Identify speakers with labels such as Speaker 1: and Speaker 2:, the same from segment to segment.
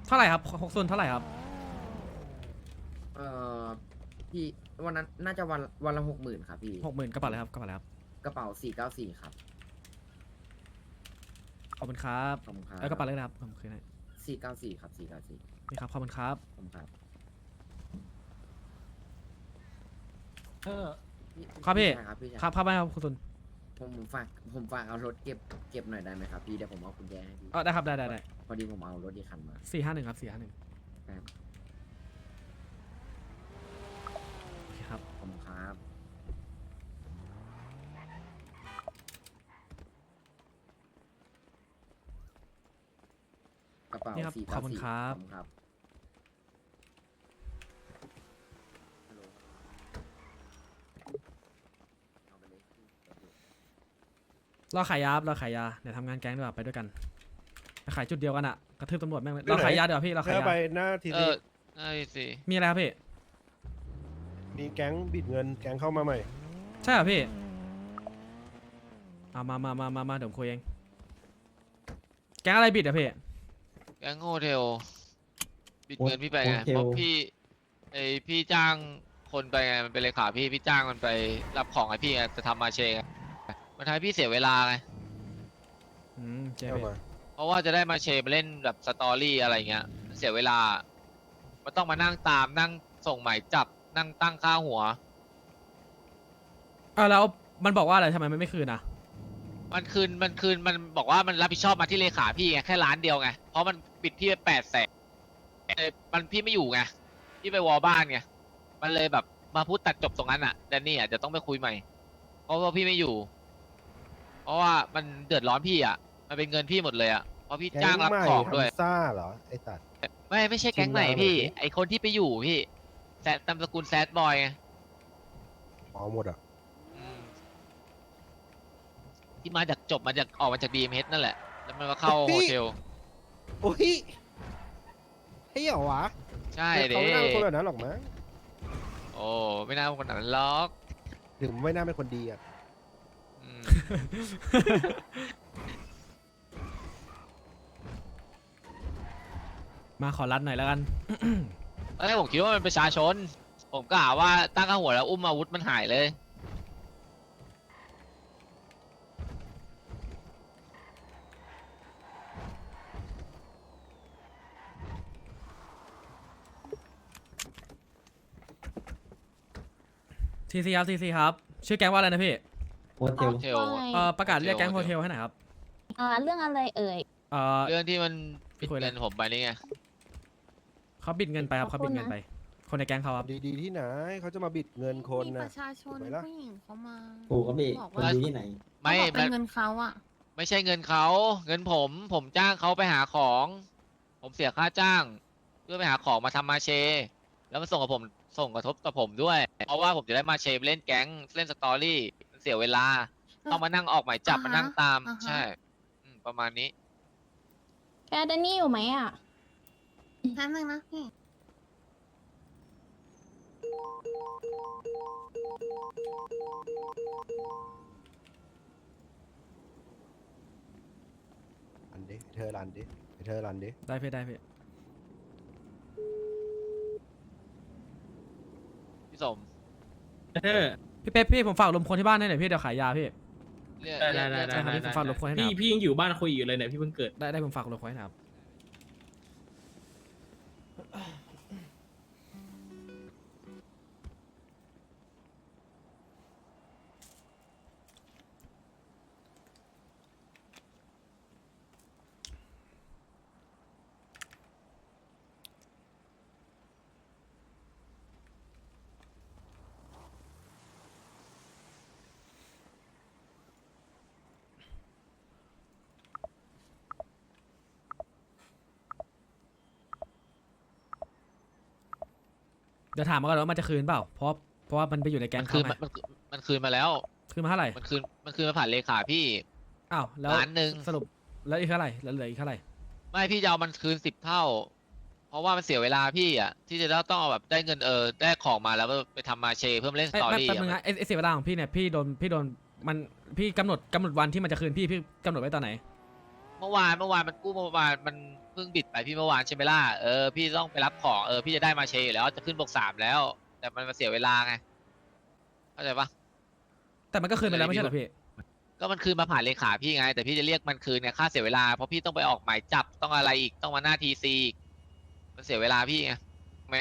Speaker 1: เท่าไหร่ครับ60เท่าไหร่ครับ
Speaker 2: เอ่อพี่วันนั้นน่าจะวันละ60,000ครับพี่
Speaker 1: 60,000กระเป๋าเลยครับกระเป๋าเลยครับ
Speaker 2: กระเป๋า494ครับ
Speaker 1: ขอบคุณครับ
Speaker 2: ขอบคุณครั
Speaker 1: แล้วกระเป๋า
Speaker 2: บ
Speaker 1: เลยนะครับผมคืนให้
Speaker 2: 494ครับ494
Speaker 1: นี่ครับขอบคุณครับ
Speaker 2: ขอบคุณครับ
Speaker 3: เออ
Speaker 1: ครับพี่
Speaker 2: ชายครับพี่ชาย
Speaker 1: ครับครับไม่ครับคุณตุน
Speaker 2: ผมฝากเอารถเก็บหน่อยได้ไหมครับพี่เดี๋ยวผมเอากุญแจให้พี่
Speaker 1: ได้ครับได้
Speaker 2: พอดีผมเอารถอีกคันมา
Speaker 1: 451ครับ451
Speaker 2: ครับ
Speaker 1: โอเคครับ
Speaker 2: ขอบคุณครับกระเป๋า
Speaker 1: นี่ครับ
Speaker 2: 494
Speaker 1: ขอบคุณครับ
Speaker 2: ขอบคุณครับฮัลโหลเอาไปเลยพี่เดี๋ยวดู
Speaker 1: รอขายยาครับรอขายยาเดี๋ยวทำงานแก๊งดีกว่าไปด้วยกันไปขายจุดเดียวกันอะกระทืบตำรวจแม่งเลยเราขายยาเดี๋ยวาพี่เราขาย
Speaker 4: ถ้าย
Speaker 1: า
Speaker 4: ไปหน้าที
Speaker 5: เอ
Speaker 4: ซี
Speaker 5: อไอ้สิ
Speaker 1: มีอะไรครับพี่
Speaker 4: มีแก๊งบิดเงินแก๊งเข้ามาใหม่
Speaker 1: ใช่เหรอพี่เอามาเดี๋ยวผมคุยเองแก๊งอะไรบิดอะพี่
Speaker 5: แก๊งโฮเทลบิดเงินพี่ไปไงเพราะพี่จ้างคนไปไงมันเป็นเลขาพี่จ้างมันไปรับของไอ้พี่ไงจะทำมาเชไงมันทำให้พี่เสียเวลาไง
Speaker 1: เจ๊
Speaker 4: เข้า
Speaker 1: พี่
Speaker 4: มา
Speaker 5: เพราะว่าจะได้มาเชมาเล่นแบบสตอรี่อะไรเงี้ยเสียเวลามันต้องมานั่งตามนั่งส่งหมายจับนั่งตั้งค่าหัว
Speaker 1: แล้วมันบอกว่าอะไรทำไมมันไม่คืนอะ
Speaker 5: มันบอกว่ามันรับผิดชอบมาที่เลขาพี่ไงแค่ล้านเดียวไงเพราะมันปิดพี่ไป800,000มันพี่ไม่อยู่ไงพี่ไปวอลบ้านไงมันเลยแบบมาพูดตัดจบตรงนั้นอ่ะแดนนี่อ่ะจะต้องไปคุยใหม่เพราะว่าพี่ไม่อยู่ เพราะว่ามันเดือดร้อนพี่อ่ะมันเป็นเงินพี่หมดเลยอ่ะเพราะพี่
Speaker 4: แก๊
Speaker 5: จ้าง
Speaker 4: ง
Speaker 5: รับ
Speaker 4: ใหม่
Speaker 5: ของด้วย
Speaker 4: ฮัมซ่าเหรอไอ้ตัด
Speaker 5: ไม่ใช่แก๊งไหน
Speaker 4: ชิมลาง
Speaker 5: พี่
Speaker 4: หน่อยสิ
Speaker 5: ไอคนที่ไปอยู่พี่แซดตามสกุลแซดบอยไง
Speaker 4: อ๋อหมดอ่ะ
Speaker 5: อืมที่มาจากออกมาจากดีเอ็มเฮดนั่นแหละแล้วมันมาเข้าโฮเทล
Speaker 4: โอ้ยเฮ้ยเหรอวะ
Speaker 5: ใช่เด้
Speaker 4: เขาไม่น่าเป็นคนแบบนั้นหรอกมั้ง
Speaker 5: โอ้ไม่น่าเป็นคนนั้นล็อก
Speaker 4: ถึงไม่น่าเป็นคนดีอ่ะ
Speaker 5: อืม
Speaker 1: มาขอรัดหน่อยแล้วกัน
Speaker 5: ตอนแรกผมคิดว่ามันเป็นประชาชน ผมกะว่าตั้งข้าหัวแล้วอุ้มอาวุธมันหายเลย
Speaker 1: ทีซีครับชื่อแก๊งว่าอะไรนะพี่
Speaker 6: โฮเทล
Speaker 5: โฮเทล
Speaker 7: ว่าไง
Speaker 1: ประกาศเรียกแก๊งโฮเทลให้หน่อยครับ
Speaker 7: เรื่องอะไรเอ่ย
Speaker 5: เรื่องที่มันปิด
Speaker 1: คุยอะไร
Speaker 5: เงินผมไปนี่ไง
Speaker 1: เขาบิดเงินไปครับ
Speaker 7: ข
Speaker 1: เขา
Speaker 7: อบคุ
Speaker 1: บิ
Speaker 7: ณ
Speaker 1: ดเงิน
Speaker 7: นะ
Speaker 1: ไป คนในแก๊งเขาครับ
Speaker 4: ดีๆที่ไหนเขาจะมาบิดเงินคน
Speaker 8: มีป
Speaker 4: นะ
Speaker 8: ระชาชน
Speaker 4: ถูกไหมล่ะ
Speaker 8: ผู้หญิงเขามา
Speaker 6: ถูกครับพี่
Speaker 8: บอก
Speaker 6: คน
Speaker 8: ว่า
Speaker 6: ดูที่ไหน
Speaker 5: ไม่
Speaker 8: เขาบอกเป็
Speaker 5: มัน
Speaker 8: นเงินเขาอ่ะ
Speaker 5: ไม่ใช่เงินเขาเงินผมจ้างเขาไปหาของ ผมเสียค่าจ้าง เพื่อไปหาของมาทำมาเช แล้วมันส่งกับผมส่งกระทบกับผมด้วย เพราะว่าผมจะได้มาเชไปเล่นแก๊งเล่นสตอรี่มันเสียเวลา ต้องมานั่งออกหมายจับมานั่งตาม ใช่ ประมาณนี้
Speaker 7: แกแดนนี่อยู่ไหมอ่ะ
Speaker 8: แป๊บนึงนะพี่
Speaker 4: รันดิเธอรันดิเธอรันดิ
Speaker 1: ได้พี่ได้พี่
Speaker 5: พี่สม
Speaker 1: พี่เป๊ปพี่ผมฝากลมคนที่บ้านให้หน่อยพี่เดี๋ยวขายยาพี่
Speaker 5: เรียก
Speaker 3: ได้
Speaker 5: เรียก
Speaker 1: ใช่ครับพี่ผมฝากลมคนให้หน่อยครับ
Speaker 3: พี่ยังอยู่บ้านคุยอยู่เลยเนี่ยพี่เพิ่งเกิด
Speaker 1: ได้ผมฝากลมคนให้หน่อยครับเดี๋ยวถามมาก่อนว่ามันจะคืนเปล่าเพราะว่ามันไปอยู่ในแก๊
Speaker 5: มั
Speaker 1: ง
Speaker 5: นคื
Speaker 1: เขา
Speaker 5: น
Speaker 1: ไง
Speaker 5: มันคืนมาแล้ว
Speaker 1: คืนมาเท่าไหร่
Speaker 5: มันคืนมาผ่านเลขาพี่
Speaker 1: อ้าวแล้ว
Speaker 5: ล้านหนึ่ง
Speaker 1: สรุปแล้วอีกเท่าไหร่แล้วเหลืออีกเท่าไหร่
Speaker 5: ไม่พี่จะเอามันคืน10 เท่า เพราะว่ามันเสียเวลาพี่อ่ะที่จะต้องเอาแบบได้เงินได้ของมาแล้วไปทำมาเชเพื่อมาเล่นส
Speaker 1: ไอ้
Speaker 5: ตอ
Speaker 1: แป๊บ
Speaker 5: รี่
Speaker 1: แป๊บนึงนะไอ้เสียเวลาของพี่เนี่ยพี่โดนมันพี่กำหนดวันที่มันจะคืนพี่กำหนดไว้ตอนไหน
Speaker 5: เมื่อวานมันกู้เมื่อวานมันเพิ่งบิดไปพี่เมื่อวานใช่ไหมล่ะพี่ต้องไปรับของพี่จะได้มาเชยอยู่แล้วจะขึ้นบวก3แล้ว แต่มันมาเสียเวลาไงเข้าใจปะ
Speaker 1: แต่มันก็คืนไปแล้วไม่ใช่เหรอพี่
Speaker 5: ก็มันคืนมาผ่านเลขาพี่ไง แต่พี่จะเรียกมันคืนเนี่ยค่าเสียเวลาเพราะพี่ต้องไปออกหมายจับต้องอะไรอีกต้องมาหน้าทีซีมันเสียเวลาพี่ไงไหม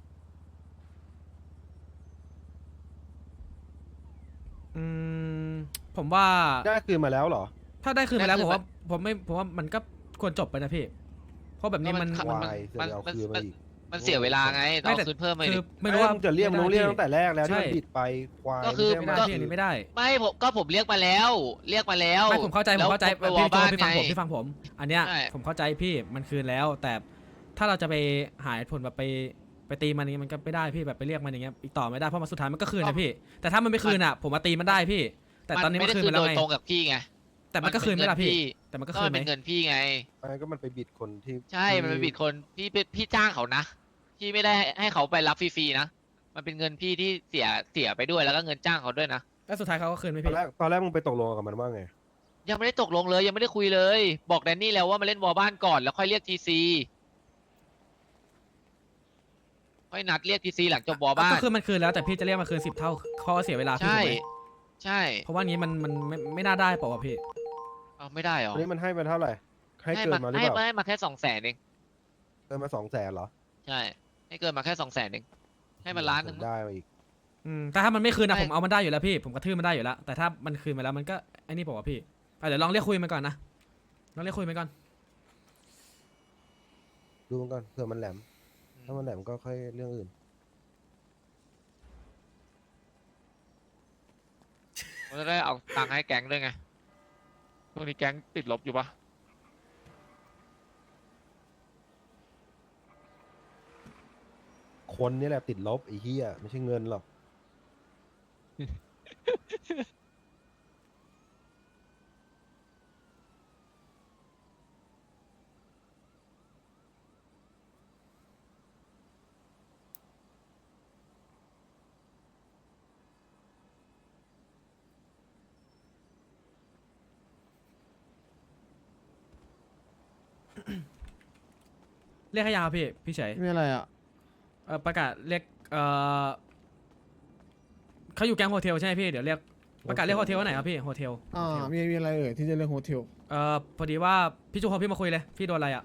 Speaker 1: อืมผมว่า
Speaker 6: ได้คืนมาแล้วเหรอ
Speaker 1: ถ้าได้คืนไปแล้วผมว่ามันก็ควรจบไปนะพี่ เพราะแบบนี้มัน
Speaker 6: วายเสือกเอาคืนมาอีก
Speaker 5: มันเสียเวลาไงต้องเอาคืนเพิ่มมา
Speaker 1: คื
Speaker 5: ดิ
Speaker 1: อไม่รู้ว่า
Speaker 6: มึงจะเรียกมึงต้องเรียกตั้งแต่แรกแล้วที่มัน
Speaker 1: ใช่
Speaker 6: บิดไปควาย
Speaker 5: ก็คือ
Speaker 1: ไม่ได้พี่อันนี้ไม่ได้
Speaker 5: ไม่ผมเรียกมาแล้ว
Speaker 1: ไม่ผมเข้าใจ
Speaker 5: แล้ว
Speaker 1: พี่
Speaker 5: ไปวอล
Speaker 1: โจ
Speaker 5: บ้าน
Speaker 1: พี่ฟังผม
Speaker 5: ไง
Speaker 1: พี่ฟังผม อันเนี้ย
Speaker 5: ใช่
Speaker 1: ผมเข้าใจพี่มันคืนแล้ว แต่ถ้าเราจะไปหาเหตุผลแบบไปตีมันอย่างงี้มันก็ไม่ได้พี่แบบไปเรียกมันอย่างเงี้ยอีกต่อไม่ได้เพราะมันสุดท้ายมันก็คืนนะพี่ แต่ถ้ามันไม่คืนอ่ะผมมาตีมันได้พี่ แต่ตอนนี้มันคืนไปแล้ว
Speaker 5: โด
Speaker 1: ไง
Speaker 5: ยตรงกับพี่ไง
Speaker 1: แต่มันก็คืนไม่ละพี่ แต่มันก็
Speaker 5: ก็
Speaker 1: คื
Speaker 5: มัน น
Speaker 1: ไหม
Speaker 5: เป็นเงินพี่ไง
Speaker 6: ไม่ก็มันไปบิดคนที่
Speaker 5: ใช่มันเป็นบิดคนพี่จ้างเขานะพี่ไม่ได้ให้เขาไปรับฟรีๆนะมันเป็นเงินพี่ที่เสียไปด้วยแล้วก็เงินจ้างเขาด้วยนะ
Speaker 1: แล้วสุดท้ายเขาก็คืนไหม
Speaker 6: ตอน
Speaker 1: พี่
Speaker 6: แรกมึงไปตกลงกับมันว่าไง
Speaker 5: ยังไม่ได้ตกลงเลยยังไม่ได้คุยเลย บอกแดนนี่แล้วว่ามาเล่นวอลบ้านก่อนแล้วค่อยเรียกทีซีค่อยนัดเรียกทีซีหลังจบวอลบ้าน
Speaker 1: ก็คือมันคืนแล้วแต่พี่จะเรียกมาคืน10 เท่าเขาก็เสียเวลาพี่
Speaker 5: ใช่
Speaker 1: ถูกไหม
Speaker 5: ใช่
Speaker 1: เพราะว่างี้มันไม่น่าได้เปล่าวะพี่
Speaker 5: เอาไม่ได้หรอ
Speaker 6: วันนี้มันให้มาเท่าไหร่ ให้เกินมาหรือเปล่า
Speaker 5: ให้มาแค่200,000เอง
Speaker 6: เกินมา200,000เหรอ
Speaker 5: ใช่ให้เกินมาแค่200,000เองให้มันล้านหนึ่ง
Speaker 6: ได้มาอีก
Speaker 1: แต่ถ้ามันไม่คืนนะ
Speaker 5: ไม่
Speaker 1: ผมเอามันได้อยู่แล้วพี่ผมกระทืบมันได้อยู่แล้วแต่ถ้ามันคืนมาแล้วมันก็ไอ้นี่เปล่าวะพี่เดี๋ยวลองเรียกคุยมันก่อนนะลองเรียกคุยมันก่อน
Speaker 6: ดูมันก่อนเผื่อมันแหลม ถ้ามันแหลมก็ค่อยเรื่องอื่น
Speaker 5: มันจะได้เอาตังค์ให้แก๊งด้วยไงช่วงนี้แก๊งติดลบอยู่ปะ
Speaker 6: คนนี่แหละติดลบไอ้เหี้ยไม่ใช่เงินหรอก
Speaker 1: เรียกให้ยาวพี่เฉย
Speaker 4: มีอะไรอ่ะ
Speaker 1: ประกาศเรียกเขาอยู่แก๊งโฮเทลใช่ไหมพี่เดี๋ยวเรียกประกาศเรียกโฮเทลว่าไหนครับพี่โฮเทล
Speaker 4: มีอะไรเอ่ยที่จะเรื่องโฮเทล
Speaker 1: พอดีว่าพี่จูโฮพี่มาคุยเลยพี่โดนอะไรอ่ะ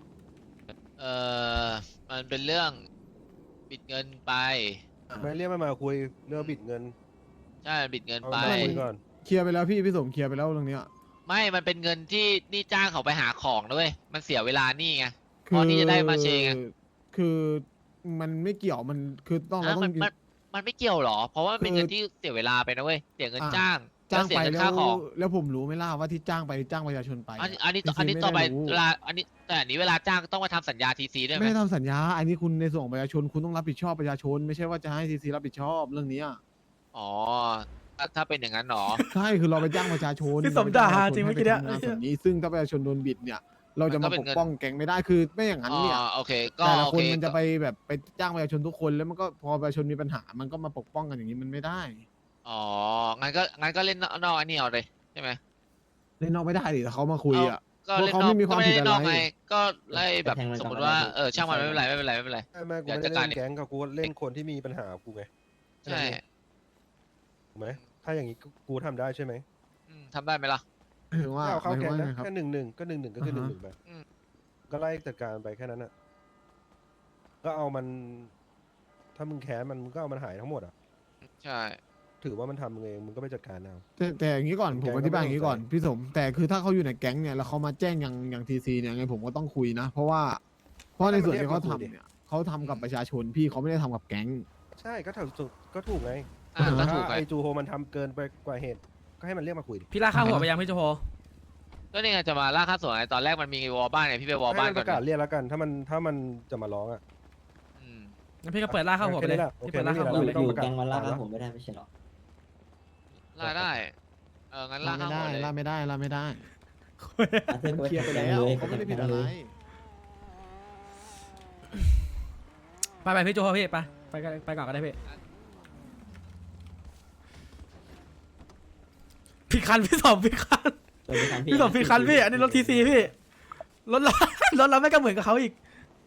Speaker 5: มันเป็นเรื่องบิดเงินไป
Speaker 6: ไม่เรียกมันมาคุยเรื่องบิดเงิน
Speaker 5: ใช่บิดเงิน
Speaker 6: เอา
Speaker 5: ไป
Speaker 6: มาคุยก่อน
Speaker 4: เคลียร์ไปแล้วพี่สมเคลียร์ไปแล้วเรื่องเนี้ย
Speaker 5: ไม่มันเป็นเงินที่นี่จ้างเขาไปหาของนะเว้ยมันเสียเวลานี่ไง พอที่จะได้มาเชงไง
Speaker 4: คือมันไม่เกี่ยวมันคือต้องเราต้อง
Speaker 5: มันไม่เกี่ยวหรอ เพราะว่ามันเป็นเงินที่เสียเวลาไปนะเว้ยเสียเงินจ้าง
Speaker 4: จ้าง
Speaker 5: เสีย
Speaker 4: ไป
Speaker 5: เงิน
Speaker 4: แล้
Speaker 5: ค่าว ของ
Speaker 4: แล้วผมรู้ไหม่ล่ะว่าที่จ้างไปจ้างประชาชนไป
Speaker 5: อันนี้
Speaker 4: TC
Speaker 5: อันนี้ต่อไป
Speaker 4: ม่ด้รู้
Speaker 5: เวลาแต่อันนี้เวลาจ้างต้องมาทำสัญญาทีซีด้วยไหม
Speaker 4: ไม่ได้ทำสัญญา อันนี้คุณในส่วนของประชาชนคุณต้องรับผิดชอบประชาชน ไม่ใช่ว่าจะให้ซีซีรับผิดชอบเรื่องเนี้ย
Speaker 5: อ๋อถ้าเป็นอย่างนั้นหรอ
Speaker 4: ใช่คือเราไปจ้างประชาชน
Speaker 1: พี่สมด่าจริงเมื่อกี้เนี่ย
Speaker 4: ให้ไปทำงานส่วนนี้ซึ่งถ้าประชาชนโดนบิดเนี่ย เราจะมาปกป้องแก๊งไม่ได้คือไม่อย่างนั้น
Speaker 5: อ๋อ
Speaker 4: เนี่ย
Speaker 5: โอเคก็
Speaker 4: แต่ละ
Speaker 5: โอ
Speaker 4: คน
Speaker 5: เค
Speaker 4: มันจะไปแบบไปจ้างประชาชนทุกคนแล้วมันก็พอประชาชนมีปัญหา มันก็มาปกป้องกันอย่างนี้มันไม่ได้
Speaker 5: อ๋องั้นก็เล่นนอกอันนี้เอาเลยใช่ไหม
Speaker 4: เล่นนอกไม่ได้ดิแต่เขามาคุยอ่ะ
Speaker 5: ก็เล่น
Speaker 4: เพราะ
Speaker 5: น
Speaker 4: เขา
Speaker 5: อก
Speaker 4: ไม่มีความ
Speaker 5: ก็ไม่
Speaker 4: ผิด
Speaker 5: ได้นอก
Speaker 4: อะไร
Speaker 5: ไงก็ไล่แบบ
Speaker 9: ไปแทงมัน
Speaker 5: สมมติ
Speaker 9: ก่อน
Speaker 5: ว่า
Speaker 9: ก็ได้
Speaker 5: ช่างมัน
Speaker 9: ใช่
Speaker 5: ไม่เป็นไรไม่เป็นไรไม่เป็นไร
Speaker 6: ไม่กู
Speaker 5: เดี๋ยว
Speaker 6: ไม่ได้
Speaker 5: จัดการ
Speaker 6: เล่นแก๊งกับกูเล่นคนที่มีปัญหากูไง
Speaker 5: ใช่
Speaker 6: ถูกไหมถ้าอย่างนี้กูทำได้ใช่ไหม
Speaker 5: ทำได้ไหมล่ะ
Speaker 4: ถึงว่า
Speaker 6: ถ้าเอาเข้าแก๊ง
Speaker 4: หมย
Speaker 6: นะ
Speaker 4: ถึงว่าไงครับ
Speaker 6: แค่1-1ก็1-1ก็คือ
Speaker 4: อ่าฮะ
Speaker 6: 1-1ไป
Speaker 5: อืม
Speaker 6: ก็ไล่จัดการไปแค่นั้นอ่ะก็เอามัน ถ้ามึงแค้นมันมึงก็เอามันหายทั้งหมดอ่ะ
Speaker 5: ใช่
Speaker 6: ถือว่ามันทำมึงเองมึงก็ไปจัดการเอา
Speaker 4: แต่อย่างนี้ก่อน
Speaker 6: แก๊
Speaker 4: ผม
Speaker 6: งก็
Speaker 4: อธิบายอย่างนี้ก่อน
Speaker 6: ไม่ต้อง
Speaker 4: พี่สม แต่คือถ้าเขาอยู่ในแก๊งเนี่ยแล้วเขามาแจ้งอย่างทีซีเนี่ยไงผมก็ต้องคุยนะ เพราะในส่วนที่เขาทำเนี่ยเขาทำกับประชาชนพี่เขาไม่ได้ทำกับแก๊ง
Speaker 6: ใช่ก็ถูกไง
Speaker 5: ก็
Speaker 6: ถ้า
Speaker 5: ถูกไง
Speaker 6: ไอจูโฮมันทำเกินไปกว่าเหตุ ก็ให้มันเรียกมาคุยดิ
Speaker 1: พี่ลากข้าหัวไปยังพี่จูโฮ
Speaker 5: ก็นี่ไงจะมาล่าค่าส่วนไงตอนแรกมันมีวอลบ้านไงพี่ไปวอล
Speaker 6: ให้
Speaker 5: บ้าน
Speaker 6: มัน
Speaker 5: ก่
Speaker 6: ป
Speaker 5: อน
Speaker 6: ระกาศเรียกแล้วกัน ถ้ามันจะมาร้องอ่ะ
Speaker 5: อืม
Speaker 1: งั้นพี่ก็เปิดลากข้าหัวไปเลย
Speaker 6: โอเค
Speaker 1: พี่เปิดลากข้าหัว
Speaker 6: ไม่
Speaker 1: ไป
Speaker 6: มี
Speaker 1: เลย
Speaker 6: อะไร
Speaker 9: อยู่แกงวันล่าครับผมไม่ได้ไม่ใช่หรอ
Speaker 5: ล่าได้งั้นล่า
Speaker 4: ล่า
Speaker 5: ค่า
Speaker 4: ไม่
Speaker 5: หั
Speaker 4: ได้
Speaker 5: วเลย
Speaker 4: ล่าไม่ได้ล่าไม่ได้
Speaker 9: มัน
Speaker 4: เคลียร์ไปแล้วเขาไม่ได้ผิดอะไร
Speaker 1: ไปพี่จูโฮพี่ไปก่อนก็ได้พี่พี่คันพี่สมพี่คันพี่สมพี่คันพี่อันนี้รถทีซีพี่รถเรา รถเราไม่ก็เหมือนกับเขาอีก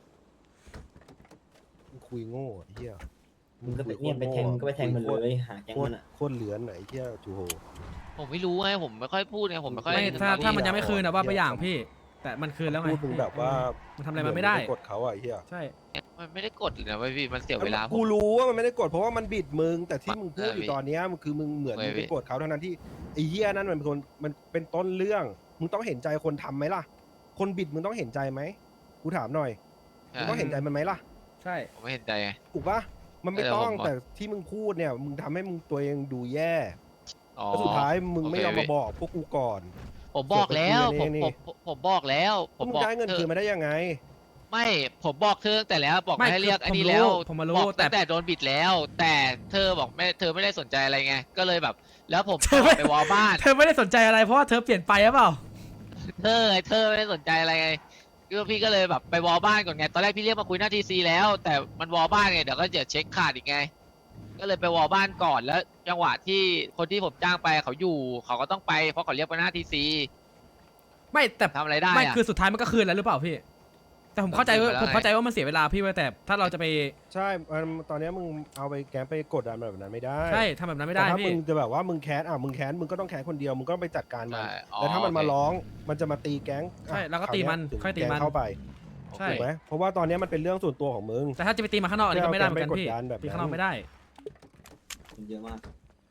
Speaker 6: มึงคุยโง่ไอ้เหี้ย
Speaker 9: มึงก็ไปเนี่ยไปแทงก็ไปแทงมันเลยหาแก๊ง
Speaker 6: โค
Speaker 9: มั
Speaker 6: ต
Speaker 9: น
Speaker 6: ร
Speaker 9: อ่ะ
Speaker 6: โคตรเหลือนไหนเหี้ยจูโฮ
Speaker 5: ผมไม่รู้ไงผมไม่ค่อยพูดไงผมไม่ค่อย
Speaker 1: ไม่ถ้ามันยังไม่คืนอะว่าไปอย่างพี่ แต่มันคืนแล้วไง
Speaker 6: พูดมึงแบบว่า
Speaker 1: มันทำอะไรมันไม่ได้
Speaker 6: เหอนงปกดเขาอะไอ้เหี้ย
Speaker 1: ใช่
Speaker 5: มันไม่ได้กดเลยนะเว้ยพี่มันเสียเวลาผม
Speaker 6: กูรู้ว่ามันไม่ได้กดเพราะว่ามันบิดมึงแต่ที่มึงพูดอยู่
Speaker 5: พี่
Speaker 6: ตอนเนี้ยมันคือมึงเหมือน
Speaker 5: เว้
Speaker 6: มึ
Speaker 5: ย
Speaker 6: งไปกดเขาทั้งนั้นที่ไอ้เหี้ยนั่นมันเป็นคนมันเป็นต้นเรื่องมึงต้องเห็นใจคนทำไหมล่ะ คนบิดมึงต้องเห็นใจไหมกูถามหน่อยมึงต้องเห็นใจมันไหมล่ะ
Speaker 1: ใช่
Speaker 5: ผมไม่เห็นใจไง
Speaker 6: ถูกปะมันไม่
Speaker 5: เออ
Speaker 6: ต้อง
Speaker 5: ผม
Speaker 6: แต่ที่มึงพูดเนี่ยมึงทำให้มึงตัวเองดูแย่
Speaker 5: อ๋อ
Speaker 6: แล้วสุดท้ายมึง
Speaker 5: โอเค
Speaker 6: ไม่ยอม
Speaker 5: พี่
Speaker 6: มาบอกพวกกูก่อน
Speaker 5: ผมบอกแล้วผม
Speaker 6: นี่
Speaker 5: ผมบอกแล้วผ
Speaker 6: พวก
Speaker 5: ม
Speaker 6: มึง
Speaker 5: บอก
Speaker 6: ได้เงินคืนมาได้ยังไง
Speaker 5: ไม่ผมบอกเธอตั้งแต่แล้วบอก
Speaker 1: ไม่
Speaker 5: ให้เรียก
Speaker 1: คือ
Speaker 5: อันนี้
Speaker 1: ผมรู้
Speaker 5: แล้ว
Speaker 1: ผมมารู้
Speaker 5: บอก
Speaker 1: แต่
Speaker 5: ตั้งแต่โดนบิดแล้ว แต่เธอบอกเธอไม่ได้สนใจอะไรไงก็เลยแบบ แล้วผม
Speaker 1: เธอไม่
Speaker 5: ไปวอลบ้าน
Speaker 1: เธอไม่ได้สนใจอะไรเพราะว่าเธอเปลี่ยนไปหรือเปล่า
Speaker 5: เธอไม่ได้สนใจอะไรไงก็พี่ก็เลยแบบไปวอลบ้านก่อนไงตอนแรกพี่เรียกมาคุยหน้าทีซีแล้ว แต่มันวอลบ้านไงเดี๋ยวก็จะเช็คขาดอีกไง ก็เลยไปวอลบ้านก่อนแล้ว จังหวะที่คนที่ผมจ้างไปเขาอยู่เขาก็ต้องไปเพราะเขาเรียกไปหน้าทีซี
Speaker 1: ไม่แต่
Speaker 5: ทำอะไรได้
Speaker 1: ไม่
Speaker 5: อะ
Speaker 1: คือสุดท้ายมันก็คืนแล้วหรือเปล่าพี่ แต่ผมเข้าใจว่า
Speaker 5: คืนไปแล้ว
Speaker 1: ผมเข้าใจว่ามันเสียเวลาพี่ไว้แต่ถ้าเราจะไป
Speaker 6: ใช่ตอนเนี้ยมึงเอาไปแกมไปกดดันแบบนั้นไม่ได้
Speaker 1: ใช่ทำแบบนั้นไม่ได้
Speaker 6: แต่ถ้ามึ
Speaker 1: พี่
Speaker 6: งจะแบบว่ามึงแค้นมึงแค้นมึงก็ต้องแค้นคนเดียวมึงก็ไปจัดการมัน
Speaker 5: ใช่อ๋อ
Speaker 6: แต่ถ้ามันมา
Speaker 5: โอเค
Speaker 6: ร้องมันจะมาตีแก๊ง
Speaker 1: ใช่แล้วก็
Speaker 6: คราว
Speaker 1: ตี
Speaker 6: เนี้
Speaker 1: มัน
Speaker 6: ถึง
Speaker 1: ค่อยตี
Speaker 6: แก๊ง
Speaker 1: มัน
Speaker 6: เข้าไป
Speaker 1: ใช่
Speaker 6: ถูกไหมเพราะว่าตอนเนี้ยมันเป็นเรื่องส่วนตัวของมึง
Speaker 1: แต่ถ้าจะไปตีมาข้างนอกอันนี้ก็ไม่ได้เหมือนกัน
Speaker 6: ไม่
Speaker 1: พี่
Speaker 6: เอาแกนไปกดดันแบบนั้น
Speaker 1: ตีข้างนอกไม่ได้
Speaker 9: มันเยอะมาก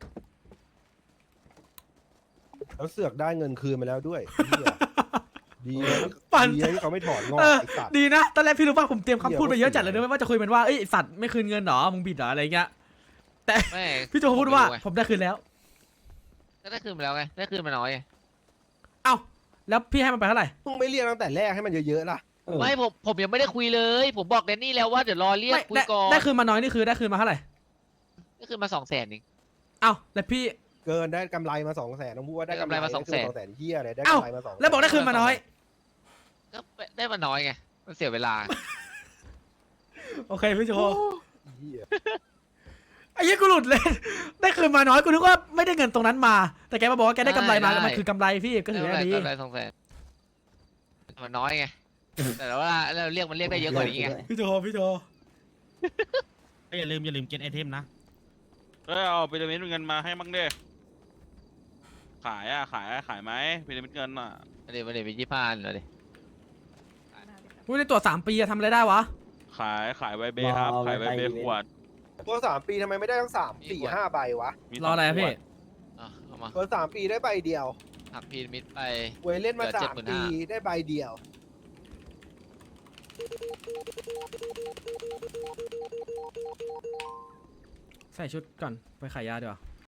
Speaker 6: แล้วเสือกได้เงินคืนมาแล้วด้วยเหี้ยดีนะ
Speaker 1: ปั่น
Speaker 6: ดีนะที่เขาไม่ถอนงอก
Speaker 1: เออ
Speaker 6: ไอ้สัตว์
Speaker 1: ดีนะตอนแรกพี่รู้ป่ะผมเตรียมคำพูด
Speaker 6: เหี้
Speaker 1: ไป
Speaker 6: ย
Speaker 1: เยอะจัดเลย
Speaker 6: ว่า
Speaker 1: นะว่าจะคุยมันว่าเอ้ยไอ้สัตว์ไม่คืนเงินเหรอมึงบิดเหรออะไรเงี้ยแต่
Speaker 5: ไม่
Speaker 1: พี่โจพูดว่า
Speaker 5: ผมไม่รู้ไง
Speaker 1: ผมได้คืนแล้ว
Speaker 5: ก็ได้คืนมาแล้วไงได้คืนมาน้อยไง
Speaker 1: เอ้าแล้วพี่ให้มันไปเท่าไหร่
Speaker 6: มึงไม่เรียกตั้งแต่แรกให้มันเยอะๆล่ะ
Speaker 9: เออ
Speaker 5: ไม่ผมยังไม่ได้คุยเลย ผมบอกแดนนี่แล้วว่าเดี๋ยวรอเรียก
Speaker 1: ไม่
Speaker 5: คุย
Speaker 1: ได้
Speaker 5: ก่อน
Speaker 1: ได้คืนมาน้อยนี่คือได้คืนมาเท่าไหร่
Speaker 5: ได้คืนมา200,000เอง
Speaker 1: เอ้าแล้วพี่
Speaker 6: เกินได้กำไรมา200,000ต้องพูดว่าได้กำไร
Speaker 5: ได้กำไรมา
Speaker 6: 200,000
Speaker 5: 200,000
Speaker 6: เฮียอะไรได้
Speaker 1: เอ้า
Speaker 6: กำไรมา200,000
Speaker 1: แล้วบอกได้คืนมาน้อย
Speaker 5: ก็ได้มาน้อยไงมันเสียเวลา
Speaker 1: โอเคพี่โจ
Speaker 6: เหี้ย
Speaker 1: ไอ้ยี่กูหลุดเลย ได้คืนมาน้อยกูนึกว่าไม่ได้เงินตรงนั้นมา แต่แกมาบอกว่าแกได้กำไรมา
Speaker 5: ได้
Speaker 1: มันคือกำไรพี่ก็ถือว่าดี
Speaker 5: ได้กำไร200,000มันน้อยไงแต่ว่าเราเรียกมันเรียกได้เยอะกว่านี้ไง
Speaker 1: พี่โจพี่โจ
Speaker 3: อย่าลืมเก็ตไอเทมนะ
Speaker 10: เอาพีระมิดเงินมาให้มั่งดิขายไหมพีระมิดเงินอ่ะ
Speaker 5: มาเดี๋ยวไป25เลยดิ
Speaker 1: กูได้ตรวจ3 ปีอะทำอะไรได้วะ
Speaker 10: ขายใบเบครับ ขายใบเบขวด
Speaker 6: ตัว3 ปีทำไมไม่ได้ทั้ง3 4 5ใบวะ
Speaker 10: มี
Speaker 1: รออะไรอะพี่
Speaker 5: อ่ะเอามา
Speaker 6: ตัว3 ปีได้ใบเดียว
Speaker 5: หักพีระมิดไป
Speaker 6: เวยเล่นมา
Speaker 5: เหลือ
Speaker 6: 3 ปีได้ใบเดียว
Speaker 1: ใส่ชุดก่อนไปขายยาดีกว่า